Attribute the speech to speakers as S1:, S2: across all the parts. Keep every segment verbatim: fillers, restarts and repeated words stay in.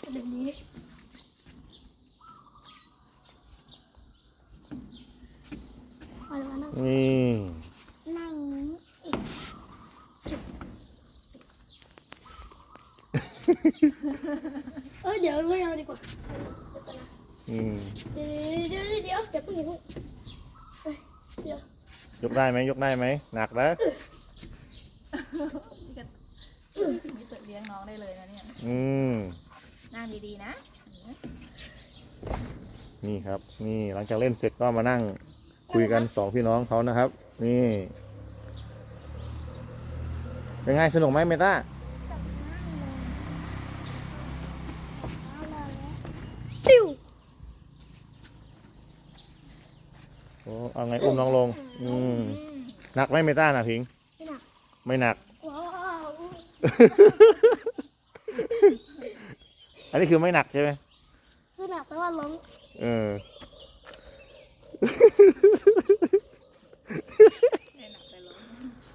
S1: เดี๋ยวนี้เอาเลยมานั่ง
S2: นี่
S1: นั่งอีกเออเดี๋ยวไม่เอาดีกว่า
S2: อืม
S1: เดี๋ยวเดี๋ยวเดี๋ยวเดี๋ยวเพิ่งอย่าเพิ่งเอ้ยเดี๋ยวย
S2: กได้ไหมยกได้ไหมหนักแล้ว
S3: นี่เปิดเลี้ยงน้องได้เลยนะเนี่ย
S2: อืม
S3: นั่งดีๆนะ
S2: นี่ครับ นี่หลังจากเล่นเสร็จก็มานั่งคุยกันสองพี่น้องเขานะครับ นี่ เป็นไงสนุกไหมเมต้า
S1: ติ้ว
S2: โอ้เอาไงอุ้มน้องลง อืมหนักไหมเมต้าหนักพิง
S1: ไม่หนัก
S2: ไม่หนัก
S1: ว้าว
S2: อันนี้คือไม่หนักใช่ไหม
S1: ไม่หนักแต่ว่าล้ม
S2: เออ
S3: ไม่หนักไปล้ม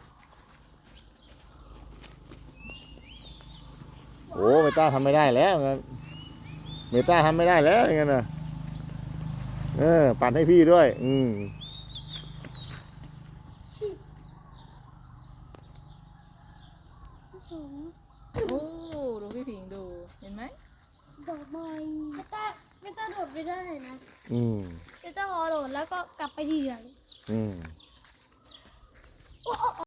S2: โอ้เมต้าทำไม่ได้แล้วงั้นเมต้าทำไม่ได้แล้วอย่างนั้นนะเออปั่นให้พี่ด้วย อืม
S3: โอ้ดูพี่ผิงดู เห็นไหม
S1: ดอกไม้ไม่ต้าไม่ต้าโดดไม่ได้นะ
S2: อืม
S1: ไม่ต้าพอโดดแล้วก็กลับไปทีหลัง
S2: อืม
S1: โอ้